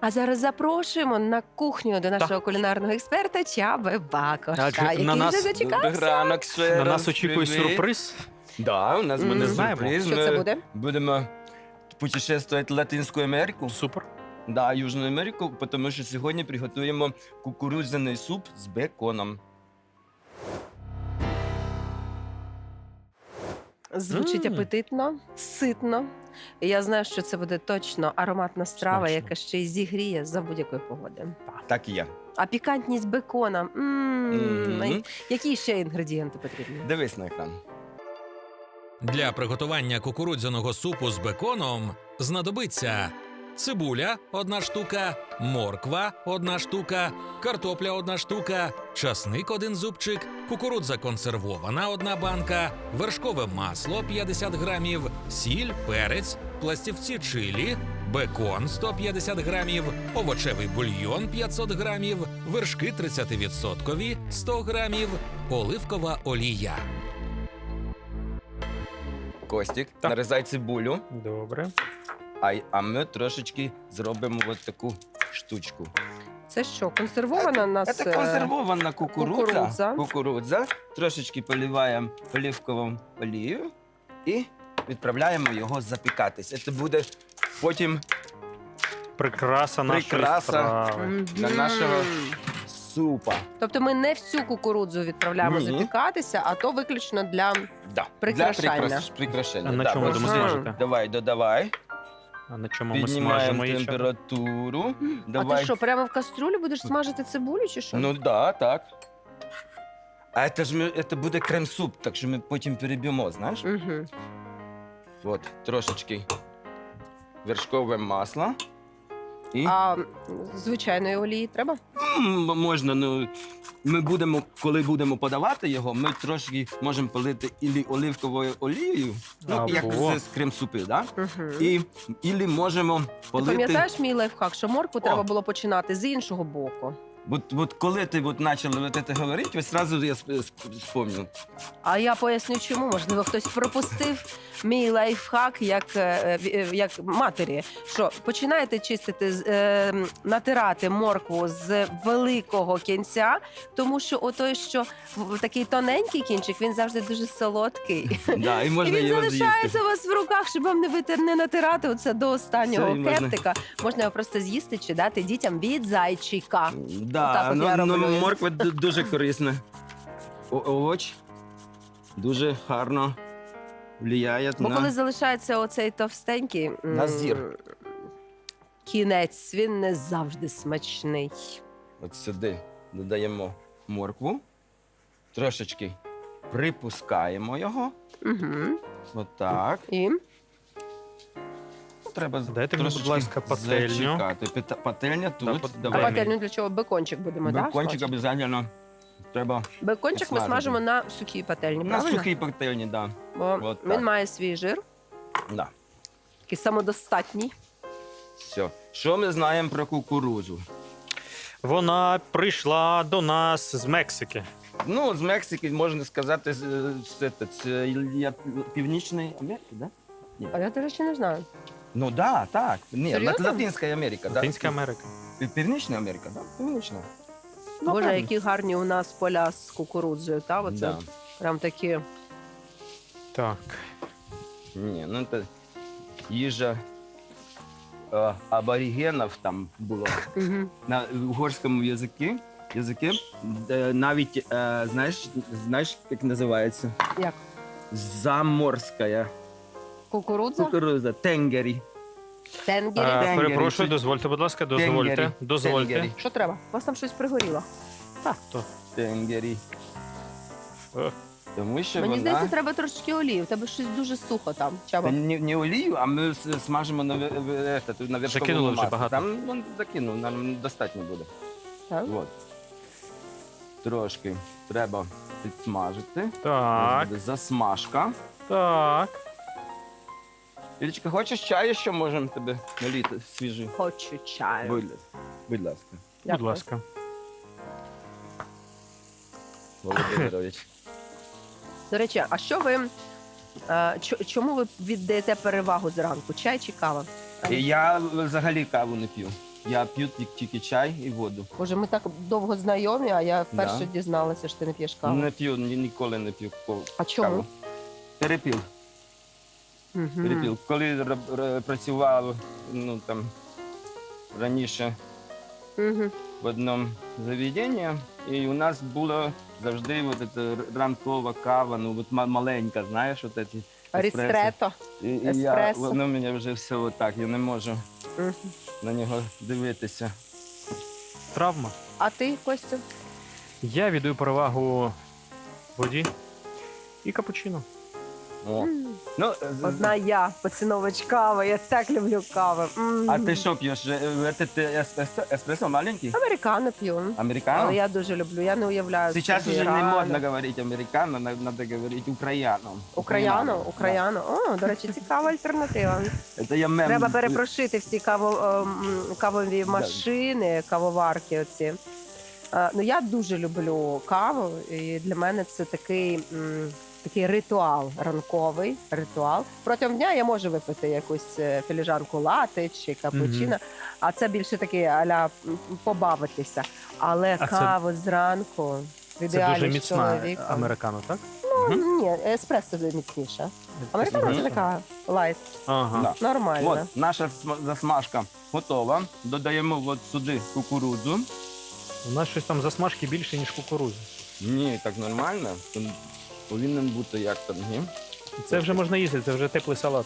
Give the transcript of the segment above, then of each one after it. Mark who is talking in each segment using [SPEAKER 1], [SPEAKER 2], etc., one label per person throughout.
[SPEAKER 1] А зараз запрошуємо на кухню до нашого кулінарного експерта Чаби Бакоша,
[SPEAKER 2] Адже
[SPEAKER 1] який
[SPEAKER 2] на
[SPEAKER 1] вже
[SPEAKER 2] нас-
[SPEAKER 1] зачекався.
[SPEAKER 3] Ранок ще
[SPEAKER 2] На
[SPEAKER 3] раз,
[SPEAKER 2] нас очікує
[SPEAKER 3] привіт.
[SPEAKER 2] сюрприз.
[SPEAKER 3] Да, у нас
[SPEAKER 1] Ми
[SPEAKER 3] буде
[SPEAKER 1] не
[SPEAKER 2] знаємо.
[SPEAKER 3] сюрприз.
[SPEAKER 1] Що
[SPEAKER 3] Ми
[SPEAKER 1] це буде?
[SPEAKER 3] Будемо путешествувати в Латинську Америку.
[SPEAKER 2] Супер.
[SPEAKER 3] Да, Южну Америку, тому що сьогодні приготуємо кукурудзяний суп з беконом.
[SPEAKER 1] Звучить апетитно, ситно. І я знаю, що це буде точно ароматна страва,
[SPEAKER 2] Смачно.
[SPEAKER 1] яка ще й зігріє за будь-якої погоди.
[SPEAKER 3] Так і є.
[SPEAKER 1] А пікантність бекона.
[SPEAKER 3] Мгм.
[SPEAKER 1] Які ще інгредієнти потрібні?
[SPEAKER 3] Дивись на екран.
[SPEAKER 4] Для приготування кукурудзяного супу з беконом знадобиться цибуля – 1 штука, морква – 1 штука, картопля – 1 штука, часник – 1 зубчик, кукурудза консервована – 1 банка, вершкове масло – 50 грамів, сіль, перець, пластівці чилі, бекон – 150 грамів, овочевий бульйон – 500 грамів, вершки 30% – 100 грамів, оливкова олія.
[SPEAKER 3] Костік,
[SPEAKER 2] Так.
[SPEAKER 3] нарізай цибулю,
[SPEAKER 2] Добре.
[SPEAKER 3] а ми трошечки зробимо от таку штучку.
[SPEAKER 1] Це що, консервована у нас?
[SPEAKER 3] Це консервована
[SPEAKER 1] кукурудза.
[SPEAKER 3] кукурудза. Трошечки поливаємо оливковою олією і відправляємо його запікатись. Це буде потім
[SPEAKER 2] Прикраса нашої
[SPEAKER 3] Прикраса.
[SPEAKER 2] страви.
[SPEAKER 3] для нашого супа.
[SPEAKER 1] Тобто ми не всю кукурудзу відправляємо
[SPEAKER 3] Ні.
[SPEAKER 1] запікатися, а то виключно для...
[SPEAKER 3] Да.
[SPEAKER 1] Прикрашання.
[SPEAKER 3] Для прикрашання.
[SPEAKER 2] А на
[SPEAKER 3] Да,
[SPEAKER 2] чому
[SPEAKER 3] ось
[SPEAKER 2] будемо
[SPEAKER 1] Ага.
[SPEAKER 2] смажити?
[SPEAKER 3] Давай, додавай.
[SPEAKER 2] А на чому ми
[SPEAKER 3] Піднімаємо
[SPEAKER 2] смажимо її?
[SPEAKER 3] температуру.
[SPEAKER 1] А
[SPEAKER 3] Давай.
[SPEAKER 1] ти що, прямо в кастрюлю будеш смажити цибулю чи що?
[SPEAKER 3] Ну да, так. А це буде крем-суп, так що ми потім переб'ємо, знаєш?
[SPEAKER 1] Угу.
[SPEAKER 3] От, трошечки вершкове масло. І
[SPEAKER 1] А звичайної олії треба?
[SPEAKER 3] можна, ну, ми будемо, коли будемо подавати його, ми трошки можемо полити ілі оливковою олією, ну, як
[SPEAKER 2] Або.
[SPEAKER 3] з крем-супи, да?
[SPEAKER 1] Угу.
[SPEAKER 3] Ілі можемо
[SPEAKER 1] Ти
[SPEAKER 3] полити.
[SPEAKER 1] пам'ятаєш мій лайфхак, що моркву
[SPEAKER 3] О.
[SPEAKER 1] треба було починати з іншого боку?
[SPEAKER 3] От коли ти почала це говорити, ось одразу я спомнив.
[SPEAKER 1] А я поясню, чому. Можливо, хтось пропустив мій лайфхак як матері. Що починаєте чистити, натирати моркву з великого кінця, тому що отой, що такий тоненький кінчик, він завжди дуже солодкий.
[SPEAKER 3] Да, і
[SPEAKER 1] І
[SPEAKER 3] можна
[SPEAKER 1] він
[SPEAKER 3] його
[SPEAKER 1] залишається
[SPEAKER 3] з'їсти.
[SPEAKER 1] у вас в руках, щоб вам не натирати оце до останнього
[SPEAKER 3] Все, і можна.
[SPEAKER 1] кептика. Можна його просто з'їсти чи дати дітям від зайчика. Отак
[SPEAKER 3] Да,
[SPEAKER 1] от я
[SPEAKER 3] ну,
[SPEAKER 1] роблю.
[SPEAKER 3] морква дуже корисна. Овоч дуже гарно впливає
[SPEAKER 1] Бо
[SPEAKER 3] на...
[SPEAKER 1] коли залишається оцей товстенький
[SPEAKER 3] На зір.
[SPEAKER 1] кінець, він не завжди смачний.
[SPEAKER 3] От сюди додаємо моркву, трошечки припускаємо його.
[SPEAKER 1] Угу.
[SPEAKER 3] Отак.
[SPEAKER 1] І
[SPEAKER 3] Ну, треба
[SPEAKER 2] Дайте мені, будь
[SPEAKER 3] трошечки
[SPEAKER 2] ласка, пательню.
[SPEAKER 3] зачекати. Пательня тут.
[SPEAKER 2] Да,
[SPEAKER 1] а
[SPEAKER 3] Давай.
[SPEAKER 2] Дай мені.
[SPEAKER 1] пательню для чого? Бекончик будемо, так?
[SPEAKER 3] Бекончик обов'язково треба
[SPEAKER 1] Бекончик ми
[SPEAKER 3] смажити.
[SPEAKER 1] смажимо на сухій пательні,
[SPEAKER 3] на
[SPEAKER 1] правильно?
[SPEAKER 3] сухій пательні, да.
[SPEAKER 1] Бо
[SPEAKER 3] От
[SPEAKER 1] він
[SPEAKER 3] так.
[SPEAKER 1] має свій жир,
[SPEAKER 3] Да.
[SPEAKER 1] такий самодостатній.
[SPEAKER 3] Все. Що ми знаємо про кукурудзу?
[SPEAKER 2] Вона прийшла до нас з Мексики.
[SPEAKER 3] Ну, з Мексики, можна сказати, це Північної Америки, да?
[SPEAKER 1] А я, до речі, не знаю.
[SPEAKER 3] Ну да, так. Ні,
[SPEAKER 1] Серйозно?
[SPEAKER 3] Латинська Америка, да?
[SPEAKER 2] Латинська Америка.
[SPEAKER 3] Північна Америка, да? Північна. Ну,
[SPEAKER 1] Боже,
[SPEAKER 3] правильно.
[SPEAKER 1] які гарні у нас поля з кукурудзою, та? Оце
[SPEAKER 3] Да.
[SPEAKER 1] прям такі.
[SPEAKER 2] Так.
[SPEAKER 3] Ні, ну це їжа аборигенів там було.
[SPEAKER 1] Угу.
[SPEAKER 3] На угорському язикі навіть, знаєш, як називається?
[SPEAKER 1] Як?
[SPEAKER 3] Заморська
[SPEAKER 1] Кукурудза?
[SPEAKER 3] кукурудза, тенгері.
[SPEAKER 1] Тенгері?
[SPEAKER 3] Тенгері.
[SPEAKER 2] Перепрошую, дозвольте, будь ласка, дозвольте.
[SPEAKER 3] Тенгері.
[SPEAKER 2] Дозвольте.
[SPEAKER 3] Тенгері.
[SPEAKER 1] Що треба? У вас там щось пригоріло.
[SPEAKER 3] Тенгері.
[SPEAKER 2] Е.
[SPEAKER 3] Тому що
[SPEAKER 1] Мені
[SPEAKER 3] вона...
[SPEAKER 1] здається, треба трошечки олії. У тебе щось дуже сухо там. Чаба.
[SPEAKER 3] Не олію, а ми смажимо на вершковому
[SPEAKER 2] Закинули вже
[SPEAKER 3] маслі.
[SPEAKER 2] багато.
[SPEAKER 3] Там закинув, нам достатньо буде.
[SPEAKER 1] Так.
[SPEAKER 3] От. Трошки треба підсмажити.
[SPEAKER 2] Так,
[SPEAKER 3] Буде засмажка.
[SPEAKER 2] так.
[SPEAKER 3] Ілічка, хочеш чаю, що можемо тебе наліти свіжий?
[SPEAKER 1] Хочу чаю.
[SPEAKER 3] Будь ласка,
[SPEAKER 2] Будь
[SPEAKER 1] Дякую.
[SPEAKER 2] ласка.
[SPEAKER 3] Володимирович.
[SPEAKER 1] До речі, а що ви чому ви віддаєте перевагу зранку? Чай чи кава?
[SPEAKER 3] Я взагалі каву не п'ю. Я п'ю тільки чай і воду.
[SPEAKER 1] Боже, ми так довго знайомі, а я вперше
[SPEAKER 3] Да.
[SPEAKER 1] дізналася, що ти не п'єш каву.
[SPEAKER 3] Не п'ю, ніколи не п'ю
[SPEAKER 1] А чому?
[SPEAKER 3] каву. Перепив.
[SPEAKER 1] Мгм.
[SPEAKER 3] Перепив. Коли працював там, раніше
[SPEAKER 1] Мгм.
[SPEAKER 3] в одному заведенні, і у нас було завжди ранкова кава, маленька, знаєш, от ці еспресо.
[SPEAKER 1] Рістрето.
[SPEAKER 3] І
[SPEAKER 1] еспресо.
[SPEAKER 3] воно мене вже все отак, я не можу
[SPEAKER 1] Мгм.
[SPEAKER 3] на нього дивитися.
[SPEAKER 2] Травма.
[SPEAKER 1] А ти, Костю?
[SPEAKER 2] Я віддаю перевагу воді і капучино.
[SPEAKER 3] О.
[SPEAKER 1] М.
[SPEAKER 3] Ну,
[SPEAKER 1] Одна я, поціновувач кави, я так люблю кави.
[SPEAKER 3] а ти що п'єш? Еспресо маленький?
[SPEAKER 1] Американо п'ю.
[SPEAKER 3] Американо?
[SPEAKER 1] Але я дуже люблю, я не уявляю.
[SPEAKER 3] Сейчас
[SPEAKER 1] собі
[SPEAKER 3] уже не
[SPEAKER 1] рано.
[SPEAKER 3] модно говорить американо, надо говорить украяно.
[SPEAKER 1] Україано. О, до речі, цікава альтернатива.
[SPEAKER 3] Да. Это я мем.
[SPEAKER 1] Треба перепрошити всі кавові машини, кавоварки оці. Ну, я дуже люблю каву, і для мене це такий ритуал, ранковий ритуал. Протягом дня я можу випити якусь філіжанку лати чи капучино, а це більше таке а-ля побавитися. Але
[SPEAKER 2] А це-
[SPEAKER 1] каву зранку в
[SPEAKER 2] Це
[SPEAKER 1] ідеалі
[SPEAKER 2] дуже
[SPEAKER 1] з
[SPEAKER 2] міцна
[SPEAKER 1] чоловіком.
[SPEAKER 2] американо, так?
[SPEAKER 1] Ні, еспресо міцніше. Американо це
[SPEAKER 3] Мгм.
[SPEAKER 1] така лайт,
[SPEAKER 2] Ага.
[SPEAKER 3] Да.
[SPEAKER 1] нормально.
[SPEAKER 3] От, наша засмажка готова. Додаємо от сюди кукурудзу.
[SPEAKER 2] У нас щось там засмажки більше, ніж кукурудзи.
[SPEAKER 3] Ні, так нормально. Там повинен бути як там, ні?
[SPEAKER 2] Це вже можна їсти, це вже теплий салат.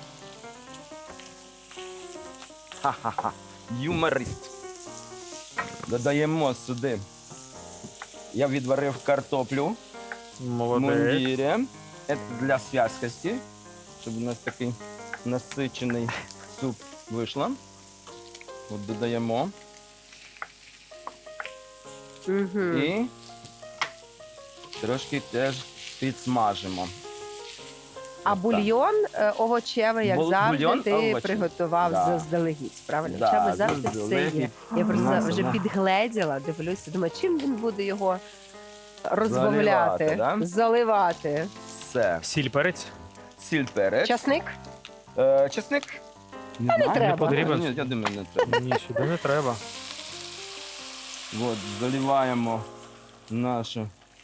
[SPEAKER 3] Ха-ха-ха. Юморист. Додаємо сюди. Я відварив картоплю в
[SPEAKER 2] Молодець.
[SPEAKER 3] мундірі. Це для зв'язкості, щоб у нас такий насичений суп вийшло. От додаємо.
[SPEAKER 1] Мгм.
[SPEAKER 3] І трошки теж підсмажимо.
[SPEAKER 1] А
[SPEAKER 3] Отак.
[SPEAKER 1] бульйон овочевий, як завжди,
[SPEAKER 3] Бульйон
[SPEAKER 1] ти
[SPEAKER 3] овочевий.
[SPEAKER 1] приготував
[SPEAKER 3] Да.
[SPEAKER 1] заздалегідь. Правильно?
[SPEAKER 3] Да,
[SPEAKER 1] В тебе завжди все
[SPEAKER 3] заздалегідь.
[SPEAKER 1] є. Я просто
[SPEAKER 3] Маса,
[SPEAKER 1] вже
[SPEAKER 3] да.
[SPEAKER 1] підгледіла, дивлюся, думаю, чим він буде його розбавляти,
[SPEAKER 3] Заливати, да?
[SPEAKER 1] заливати.
[SPEAKER 3] Все.
[SPEAKER 2] Сіль, перець.
[SPEAKER 3] Сіль, перець.
[SPEAKER 1] Часник?
[SPEAKER 3] Чесник?
[SPEAKER 1] не треба.
[SPEAKER 2] Не потрібен.
[SPEAKER 3] Ні, я думаю, не треба.
[SPEAKER 2] Ні, сюди не треба.
[SPEAKER 3] От, заливаємо нашу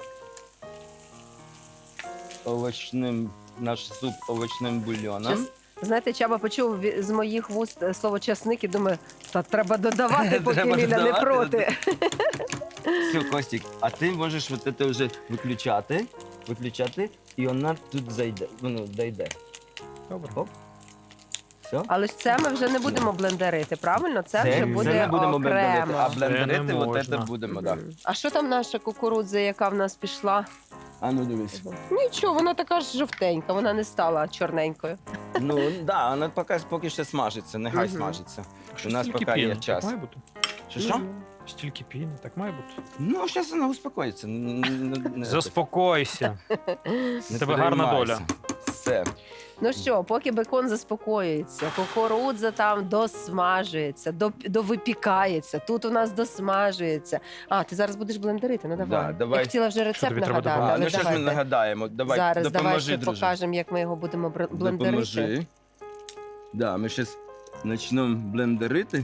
[SPEAKER 3] наш суп овочним бульйоном.
[SPEAKER 1] Час- Знаєте, Чаба почув з моїх вуст слово часник і думаю, та треба додавати, поки
[SPEAKER 3] Треба
[SPEAKER 1] Ліля не
[SPEAKER 3] додавати.
[SPEAKER 1] проти.
[SPEAKER 3] Все, Костік, а ти можеш от це вже виключати, і вона тут зайде, дійде.
[SPEAKER 2] Добре.
[SPEAKER 3] Оп. Все?
[SPEAKER 1] Але ж це ми вже не будемо блендерити, правильно? Це вже буде
[SPEAKER 3] не будемо блендерити,
[SPEAKER 1] окремо.
[SPEAKER 3] а
[SPEAKER 2] Це
[SPEAKER 3] блендерити
[SPEAKER 2] не
[SPEAKER 3] от
[SPEAKER 2] можна.
[SPEAKER 3] це будемо, так.
[SPEAKER 1] Мгм. А що там наша кукурудза, яка в нас пішла?
[SPEAKER 3] А ну дивись.
[SPEAKER 1] Нічого, вона така ж жовтенька, вона не стала чорненькою.
[SPEAKER 3] Ну, да, вона поки ще смажиться, нехай
[SPEAKER 1] Мгм.
[SPEAKER 3] смажиться.
[SPEAKER 2] Що
[SPEAKER 3] У нас
[SPEAKER 2] стільки
[SPEAKER 3] поки є
[SPEAKER 2] піни?
[SPEAKER 3] час.
[SPEAKER 2] Так має бути.
[SPEAKER 3] Що?
[SPEAKER 2] Стільки піни, так має бути.
[SPEAKER 3] Ну, зараз вона успокоїться.
[SPEAKER 2] Заспокойся.
[SPEAKER 3] Не
[SPEAKER 2] тебе гарна
[SPEAKER 3] переймайся.
[SPEAKER 2] доля.
[SPEAKER 3] Все.
[SPEAKER 1] Ну що, поки бекон заспокоюється, кукурудза там досмажується, довипікається, тут у нас досмажується. А, ти зараз будеш блендерити, ну давай.
[SPEAKER 3] Да, давай.
[SPEAKER 1] Я хотіла вже рецепт
[SPEAKER 2] тобі треба
[SPEAKER 1] нагадати,
[SPEAKER 2] допомогти?
[SPEAKER 1] але
[SPEAKER 3] Ну, що ж ми
[SPEAKER 1] давайте.
[SPEAKER 3] нагадаємо? Давай,
[SPEAKER 1] Зараз давай
[SPEAKER 3] допоможи,
[SPEAKER 1] ще
[SPEAKER 3] друже.
[SPEAKER 1] покажемо, як ми його будемо блендерити.
[SPEAKER 3] Допоможи. Да, ми зараз почнемо блендерити.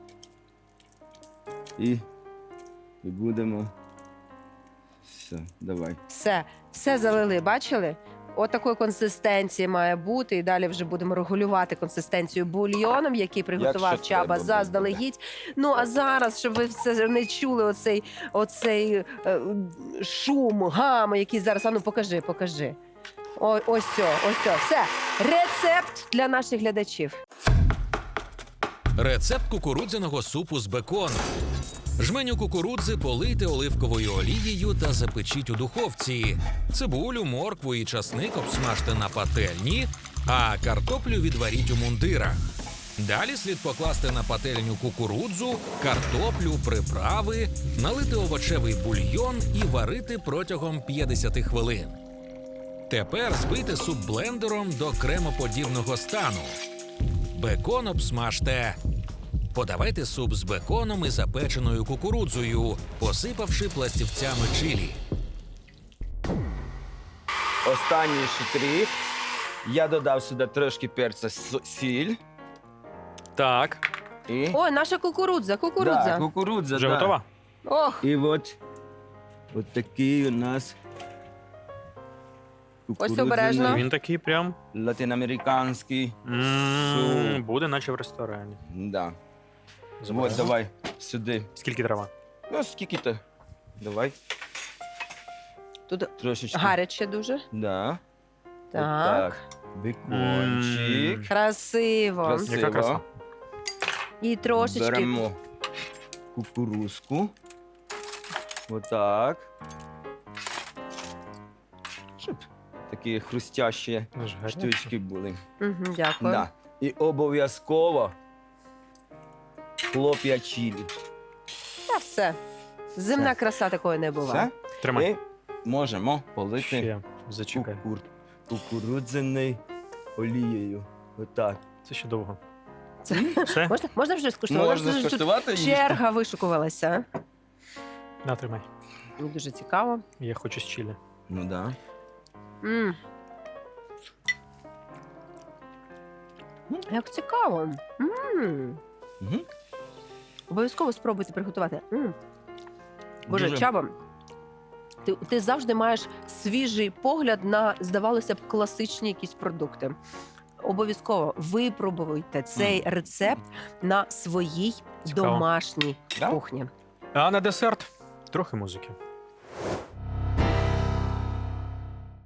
[SPEAKER 3] І будемо. Все, давай.
[SPEAKER 1] Все залили, бачили? Отакої консистенції має бути. І далі вже будемо регулювати консистенцію бульйоном, який приготував
[SPEAKER 3] Якщо
[SPEAKER 1] Чаба
[SPEAKER 3] треба буде,
[SPEAKER 1] заздалегідь. Ну а зараз, щоб ви все не чули оцей шум, гам, який зараз. А ну покажи. Ось все. Все. Рецепт для наших глядачів.
[SPEAKER 4] Рецепт кукурудзяного супу з беконом. Жменю кукурудзи полийте оливковою олією та запечіть у духовці. Цибулю, моркву і часник обсмажте на пательні, а картоплю відваріть у мундирах. Далі слід покласти на пательню кукурудзу, картоплю, приправи, налити овочевий бульйон і варити протягом 50 хвилин. Тепер збийте суп блендером до кремоподібного стану. Бекон обсмажте. Подавайте суп з беконом і запеченою кукурудзою, посипавши пластівцями чилі.
[SPEAKER 3] Останній штрих. Я додав сюди трошки перця сіль.
[SPEAKER 2] Так.
[SPEAKER 3] І...
[SPEAKER 1] Ой, наша кукурудза,
[SPEAKER 3] Да,
[SPEAKER 1] кукурудза.
[SPEAKER 3] кукурудза,
[SPEAKER 2] Вже
[SPEAKER 3] да.
[SPEAKER 2] готова?
[SPEAKER 1] Ох,
[SPEAKER 3] І от такий у нас
[SPEAKER 1] обережно.
[SPEAKER 2] Він такий прям
[SPEAKER 3] латиноамериканський.
[SPEAKER 2] буде, наче в ресторані.
[SPEAKER 3] Да.
[SPEAKER 2] Забираю.
[SPEAKER 3] От, давай сюди.
[SPEAKER 2] Скільки трава?
[SPEAKER 3] Ну, скільки-то. Давай.
[SPEAKER 1] тут
[SPEAKER 3] Трошечки.
[SPEAKER 1] гаряче дуже.
[SPEAKER 3] Да.
[SPEAKER 1] Так.
[SPEAKER 3] Отак. Бекончик.
[SPEAKER 1] Красиво.
[SPEAKER 3] Красиво.
[SPEAKER 2] Яка краса.
[SPEAKER 1] І трошечки.
[SPEAKER 3] Беремо кукурузку. Отак. Щоб такі хрустящі
[SPEAKER 2] Аж гаряче.
[SPEAKER 3] штучки були.
[SPEAKER 1] Угу, дякую.
[SPEAKER 3] Да. І обов'язково хлоп'я чилі.
[SPEAKER 1] Та все. Зимна
[SPEAKER 3] Все.
[SPEAKER 1] краса такої не буває.
[SPEAKER 3] Все?
[SPEAKER 2] Тримай.
[SPEAKER 3] Ми можемо полити
[SPEAKER 2] Ще зачекай.
[SPEAKER 3] кукурудзяною олією. Отак.
[SPEAKER 2] Це ще довго.
[SPEAKER 1] Це-
[SPEAKER 2] Все?
[SPEAKER 1] Можна вже скуштувати?
[SPEAKER 3] Можна
[SPEAKER 1] Тут
[SPEAKER 3] скуштувати їсти?
[SPEAKER 1] черга вишукувалася.
[SPEAKER 2] На, тримай.
[SPEAKER 1] Мені дуже цікаво.
[SPEAKER 2] Я хочу з чилі.
[SPEAKER 3] Ну да.
[SPEAKER 1] М. Як цікаво.
[SPEAKER 3] Угу.
[SPEAKER 1] Обов'язково спробуйте приготувати. Боже,
[SPEAKER 3] Дуже.
[SPEAKER 1] Чаба, ти завжди маєш свіжий погляд на, здавалося б, класичні якісь продукти. Обов'язково випробуйте цей рецепт на своїй
[SPEAKER 2] Цікаво.
[SPEAKER 1] домашній
[SPEAKER 3] Да?
[SPEAKER 1] кухні.
[SPEAKER 2] А на десерт трохи музики.